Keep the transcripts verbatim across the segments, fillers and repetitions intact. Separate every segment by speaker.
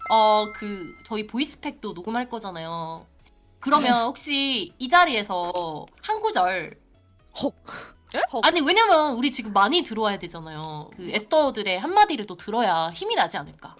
Speaker 1: 어, 그 저희 보이스팩도 녹음할 거잖아요. 그러면 혹시 이 자리에서 한 구절
Speaker 2: 헉.
Speaker 1: 아니 왜냐면 우리 지금 많이 들어와야 되잖아요. 그 에스더들의 한마디를 또 들어야 힘이 나지 않을까.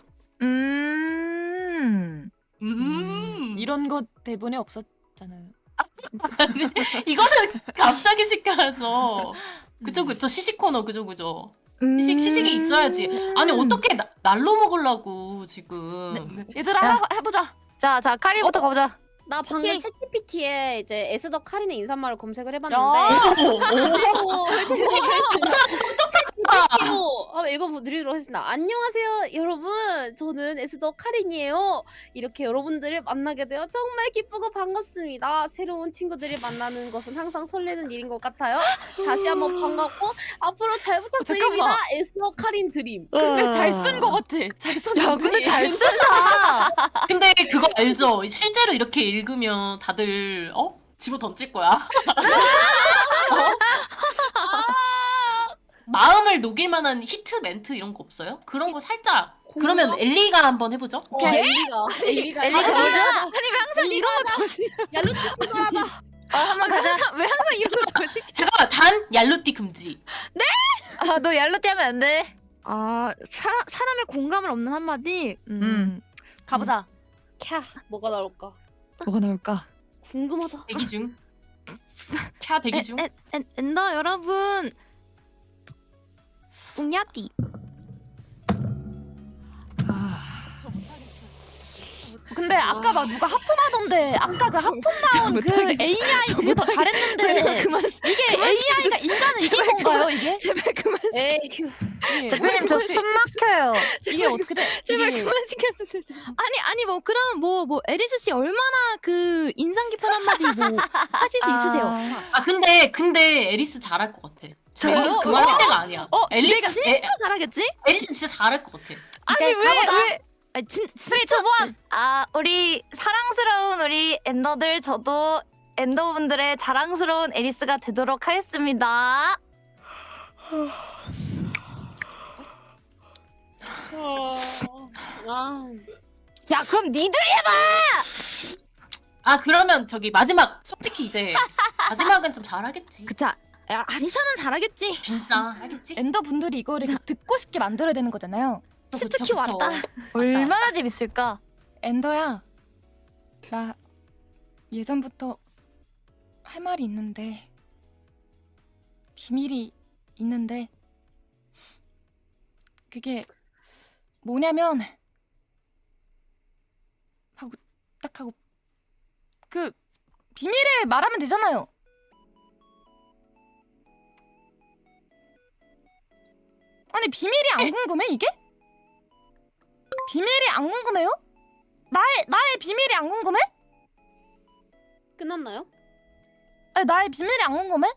Speaker 3: 음.
Speaker 1: 음,
Speaker 2: 음, 이런 거 대본에 없었잖아요.
Speaker 1: 아니, 이거는 갑자기 시켜야죠. 그죠 그죠 시식 코너 그죠 그죠. 시식 시식이 있어야지. 아니 어떻게 나, 날로 먹으려고 지금.
Speaker 2: 얘들아
Speaker 3: 야.
Speaker 2: 하- 해보자.
Speaker 3: 자, 자, 카리부터 가보자.
Speaker 4: 나 방금
Speaker 3: 오케이.
Speaker 4: 챗지피티에 이제 에스더 카린의 인사말을 검색을
Speaker 2: 야.
Speaker 4: 해봤는데
Speaker 1: 오, 오.
Speaker 4: 그리고 한번 읽어드리도록 하겠습니다. 안녕하세요 여러분, 저는 에스더 카린이에요. 이렇게 여러분들을 만나게 되어 정말 기쁘고 반갑습니다. 새로운 친구들을 만나는 것은 항상 설레는 일인 것 같아요. 다시 한번 반갑고 앞으로 잘 부탁드립니다.
Speaker 2: 잠깐만.
Speaker 4: 에스더 카린 드림.
Speaker 2: 근데 잘 쓴 거 같지? 잘 썼는데.
Speaker 3: 야, 근데 잘 쓴다.
Speaker 1: 근데 그거 알죠? 실제로 이렇게 읽으면 다들 어? 집어 던질 거야. 어? 마음을 녹일 만한 히트 멘트 이런 거 없어요? 그런 거 살짝. 그러면 엘리가 한번 해보죠.
Speaker 4: 어, 엘리가 엘리가
Speaker 3: 엘리가
Speaker 4: 가자.
Speaker 3: 가자.
Speaker 4: 아니 왜 항상 이런 거 정신 얄루트 하자.
Speaker 3: 어, 한번 가자.
Speaker 2: 왜 항상 이런 거 정신?
Speaker 1: 잠깐만 단 얄루띠 금지.
Speaker 3: 아, 너 얄로띠 하면 안 돼.
Speaker 5: 아 사람 사람의 공감을 없는 한마디. 음.
Speaker 3: 음.
Speaker 2: 가보자.
Speaker 4: 캬 뭐가 나올까?
Speaker 3: 뭐가 나올까?
Speaker 4: 궁금하다.
Speaker 1: 대기 중. 캬 대기 중.
Speaker 5: 엔, 엔, 엔더 여러분. 웅야띠.
Speaker 2: 근데 아까 막 누가 하품하던데 아까 그 하품 나온 그 에이아이 그게 더 잘했는데
Speaker 5: 그만.
Speaker 2: 이게 에이아이가 인간을 이긴 건가요 이게?
Speaker 5: 제발 그만.
Speaker 4: 에이 휴.
Speaker 2: 이게,
Speaker 3: 대표님 저 숨 막혀요.
Speaker 2: 이게 어떻게 돼?
Speaker 5: 제발
Speaker 2: 이게
Speaker 5: 그만 시켜주세요. 아니 아니 뭐 그러면 뭐 뭐 에리스 씨 얼마나 그 인상 깊은 한마디 뭐 하실 수 있으세요?
Speaker 1: 아 근데 근데 에리스 잘할 것 같아.
Speaker 3: 저요?
Speaker 1: 저희 그만할 때가 아니야.
Speaker 2: 어,
Speaker 1: 엘리스 에,
Speaker 5: 잘하겠지?
Speaker 1: 에리스 진짜 잘할 것 같아.
Speaker 5: 아니
Speaker 3: 오케이,
Speaker 5: 왜
Speaker 3: 가보자.
Speaker 5: 왜? 아니 진
Speaker 2: 쓰리,
Speaker 5: 진짜
Speaker 2: 투, 원.
Speaker 3: 아, 우리 사랑스러운 우리 엔더들, 저도 엔더분들의 자랑스러운 에리스가 되도록 하겠습니다.
Speaker 4: 아
Speaker 3: 야, 그럼 니들이
Speaker 1: 아 그러면 저기 마지막 솔직히 이제 마지막은 좀 잘하겠지.
Speaker 5: 그쵸. 야, 아리사는 잘하겠지.
Speaker 1: 진짜 하겠지.
Speaker 2: 엔더 분들이 이거를 듣고 싶게 만들어야 되는 거잖아요.
Speaker 1: 그쵸,
Speaker 5: 치트키
Speaker 1: 그쵸.
Speaker 5: 왔다.
Speaker 3: 얼마나 재밌을까?
Speaker 2: 엔더야, 나 예전부터 할 말이 있는데 비밀이 있는데 그게 뭐냐면 하고 딱 하고 그 비밀에 말하면 되잖아요. 아니 비밀이 안 궁금해 이게? 비밀이 안 궁금해요? 나의 나의 비밀이 안 궁금해?
Speaker 4: 끝났나요?
Speaker 2: 아니 나의 비밀이 안 궁금해?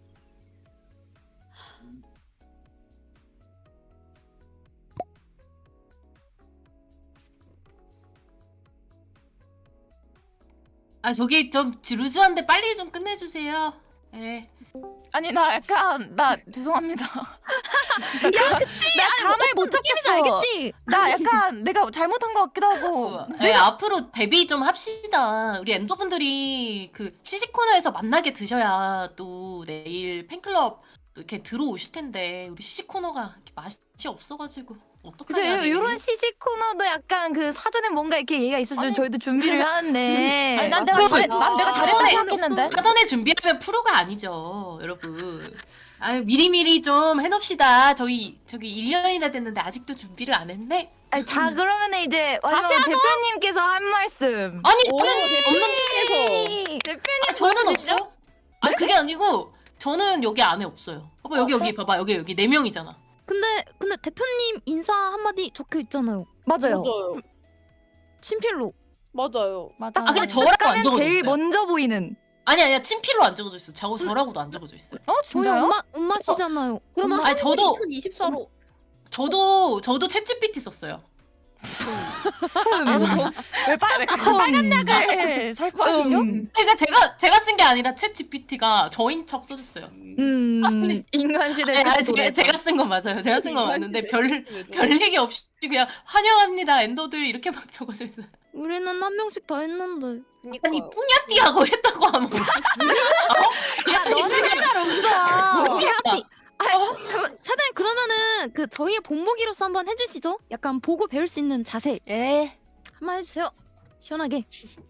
Speaker 1: 아 저기 좀 루즈한데 빨리 좀 끝내주세요. 예.
Speaker 2: 아니 나 약간 나 죄송합니다. 야 그치? 나 감을 못 잡겠어.
Speaker 5: 알겠지?
Speaker 2: 나 약간 내가 잘못한 것 같기도 하고.
Speaker 1: 예, 앞으로 데뷔 좀 합시다. 우리 엔더분들이 그 시식 코너에서 만나게 드셔야 또 내일 팬클럽 또 이렇게 들어오실 텐데 우리 시식 코너가 이렇게 맛이 없어가지고
Speaker 3: 그죠?
Speaker 1: 어떡하냐. 내일.
Speaker 3: 이런 시식 코너도 약간 그 사전에 뭔가 이렇게 얘기가 있었으면 저희도 준비를 하는데.
Speaker 2: 아니 난 내가
Speaker 1: 어,
Speaker 2: 잘했 난 내가 잘했다
Speaker 1: 어,
Speaker 2: 생각했는데.
Speaker 1: 사전에 준비하면 프로가 아니죠, 여러분. 아유 미리미리 좀 해놓읍시다. 저희 저기 일 년이나 됐는데 아직도 준비를 안 했네.
Speaker 3: 아니, 자, 그러면 이제 마지막으로 대표님께서 한 말씀.
Speaker 1: 아니
Speaker 4: 오,
Speaker 1: 저는 없는
Speaker 4: 대표님께서
Speaker 3: 대표님
Speaker 1: 아, 저는
Speaker 3: 보여주시죠?
Speaker 1: 없어요. 아니 그게 아니고 저는 여기 안에 없어요. 봐봐 여기 여기 봐봐 여기 여기 네 명이잖아.
Speaker 5: 근데 근데 대표님 인사 한마디 적혀 있잖아요.
Speaker 3: 맞아요.
Speaker 4: 맞아요.
Speaker 5: 친필로.
Speaker 4: 맞아요.
Speaker 2: 맞아.
Speaker 1: 아 근데 저라고 안
Speaker 3: 가면
Speaker 1: 적어져
Speaker 3: 제일
Speaker 1: 있어요.
Speaker 3: 먼저 보이는.
Speaker 1: 아니 아니야 친필로 안 적어져 있어. 저 저라고도 안 적어져 있어요.
Speaker 2: 어
Speaker 5: 저희
Speaker 2: 진짜요?
Speaker 5: 엄마 엄마시잖아요.
Speaker 4: 그러면
Speaker 1: 아니, 저도-
Speaker 4: 이천이십사로
Speaker 1: 저도 저도 챗지피티 썼어요.
Speaker 2: 왜, 빨, 왜 갑자기 빨간 약을 살포하시죠?
Speaker 3: 음.
Speaker 1: 그러니까 제가 제가 쓴 게 아니라 챗 지피티가 저인 척 써줬어요.
Speaker 3: 음
Speaker 1: 아니,
Speaker 3: 인간 시대
Speaker 1: 네, 아니,
Speaker 3: 끝
Speaker 1: 제가,
Speaker 3: 노래다.
Speaker 1: 제가 쓴 건 맞아요. 제가 쓴 건
Speaker 4: 인간
Speaker 1: 맞는데
Speaker 4: 시대
Speaker 1: 별
Speaker 4: 끝
Speaker 1: 별 얘기 없이 그냥 환영합니다 엔더들 이렇게 막 적어져 있어요.
Speaker 5: 우리는 한 명씩 다 했는데.
Speaker 1: 아니
Speaker 4: 그니까요.
Speaker 1: 뿌냐띠하고 했다고 하면
Speaker 5: 야 너는 할 말 없어.
Speaker 1: 모르겠다.
Speaker 5: 아, 그럼 사장님 그러면은 그 저희의 본보기로서 한번 해주시죠. 약간 보고 배울 수 있는 자세
Speaker 2: 예.
Speaker 5: 한번 해주세요. 시원하게.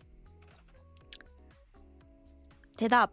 Speaker 5: 대답.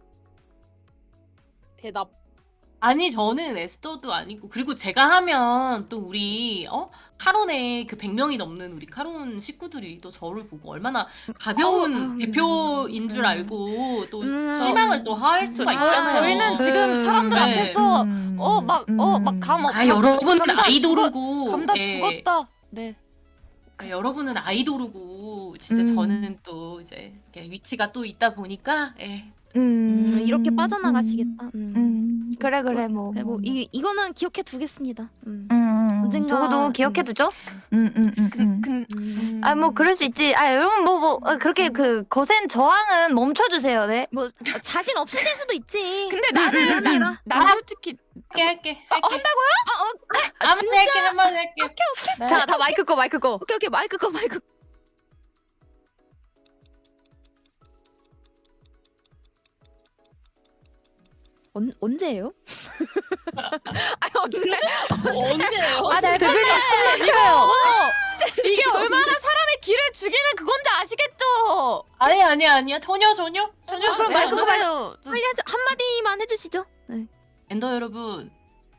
Speaker 4: 대답.
Speaker 1: 아니 저는 에스더도 아니고 그리고 제가 하면 또 우리 어 카론의 그 백 명이 넘는 우리 카론 식구들이 또 저를 보고 얼마나 가벼운
Speaker 5: 어, 음,
Speaker 1: 대표인 줄
Speaker 5: 음.
Speaker 1: 알고 또
Speaker 5: 음.
Speaker 1: 실망을 또 할
Speaker 2: 저,
Speaker 1: 수가
Speaker 2: 저,
Speaker 1: 있잖아요.
Speaker 2: 저희는 지금 사람들
Speaker 1: 네.
Speaker 2: 앞에서
Speaker 5: 음.
Speaker 2: 어 막 어 막 감 없.
Speaker 1: 아 여러분은
Speaker 2: 감 다
Speaker 1: 아이돌이고
Speaker 2: 죽었- 감다
Speaker 1: 예.
Speaker 2: 죽었다. 네.
Speaker 1: 네, 여러분은 아이돌이고 진짜
Speaker 5: 음.
Speaker 1: 저는 또 이제 이렇게 위치가 또 있다 보니까 예.
Speaker 3: 음,
Speaker 5: 음, 이렇게 빠져나가시겠다. 음.
Speaker 3: 음, 그래 그래 뭐.
Speaker 5: 그래, 뭐 이, 이거는 기억해 두겠습니다. 음.
Speaker 3: 음, 음,
Speaker 5: 언젠가-
Speaker 3: 적어도 기억해 두죠. 음, 음, 음, 음.
Speaker 2: 근
Speaker 5: 음.
Speaker 3: 아, 뭐 그럴 수 있지. 아, 여러분 뭐 뭐 그렇게 그 거센 저항은 멈춰 주세요. 네.
Speaker 5: 뭐 어, 자신 없으실 수도 있지.
Speaker 2: 근데 나는
Speaker 5: 나,
Speaker 2: 난 솔직히
Speaker 1: 할게 할게
Speaker 2: 어,
Speaker 1: 할게
Speaker 2: 한다고요?
Speaker 1: 아무튼 할게 한번 할게.
Speaker 2: 네.
Speaker 3: 자, 다 마이크 꺼, 마이크 꺼.
Speaker 5: 오케이 오케이 마이크 꺼 마이크. 꺼. 언 언제예요? 아니 언제?
Speaker 4: 언제예요?
Speaker 2: 아, 네,
Speaker 3: 대표님 숨
Speaker 2: 이거
Speaker 3: 막혀요.
Speaker 2: 이게 얼마나 사람의 길을 죽이는 그건지 아시겠죠?
Speaker 1: 아니 아니 아니야 전혀 전혀 전혀.
Speaker 2: 그럼
Speaker 1: 그래,
Speaker 2: 마이크
Speaker 1: 안 돼.
Speaker 2: 꺼봐요.
Speaker 5: 빨리 하죠. 한 마디만 해주시죠. 네.
Speaker 1: 엔더 여러분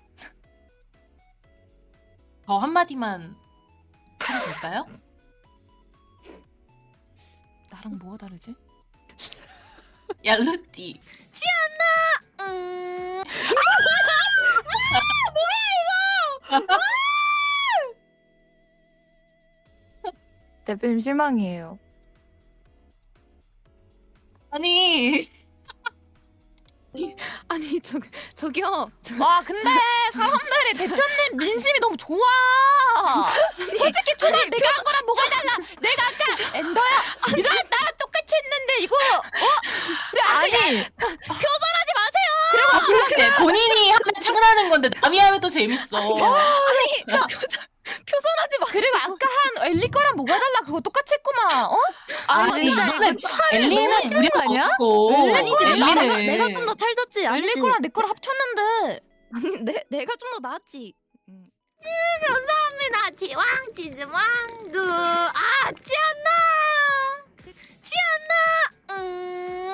Speaker 1: 저 한마디만 해도 될까요?
Speaker 2: 나랑 뭐가 다르지?
Speaker 1: 야 루띠
Speaker 2: 음.
Speaker 3: 대표님 실망이에요.
Speaker 1: 아니
Speaker 5: 아니 저 저기요. 저,
Speaker 2: 와 근데 사람들이 대표님 민심이 너무 좋아. 솔직히 초반 내가 한 거랑 뭐가 달라? 내가 아까 엔더야. 이런 나랑 똑같이 했는데 이거 어? 그래 아니
Speaker 5: 표절하지 마세요.
Speaker 1: 그렇게 본인이 하면 창나는 건데 남이 하면 또 재밌어.
Speaker 5: 표절하지 마.
Speaker 2: 그리고 아까 한 엘리 거랑 뭐가 달라? 그거 똑같이 했구만. 어?
Speaker 1: 아니
Speaker 5: 진짜
Speaker 1: 이거는
Speaker 5: 이거
Speaker 1: 엘리는 우리가
Speaker 3: 아니야?
Speaker 1: 없고
Speaker 5: 아니지 내가
Speaker 1: 엘리는
Speaker 5: 내가 좀 더 찰졌지. 아니지.
Speaker 2: 엘리 거랑 내 거랑 합쳤는데.
Speaker 5: 아니 내 내가 좀 더 나았지.
Speaker 3: 감사합니다. 지왕 치즈왕구. 아, 지안나. 지안나. 음.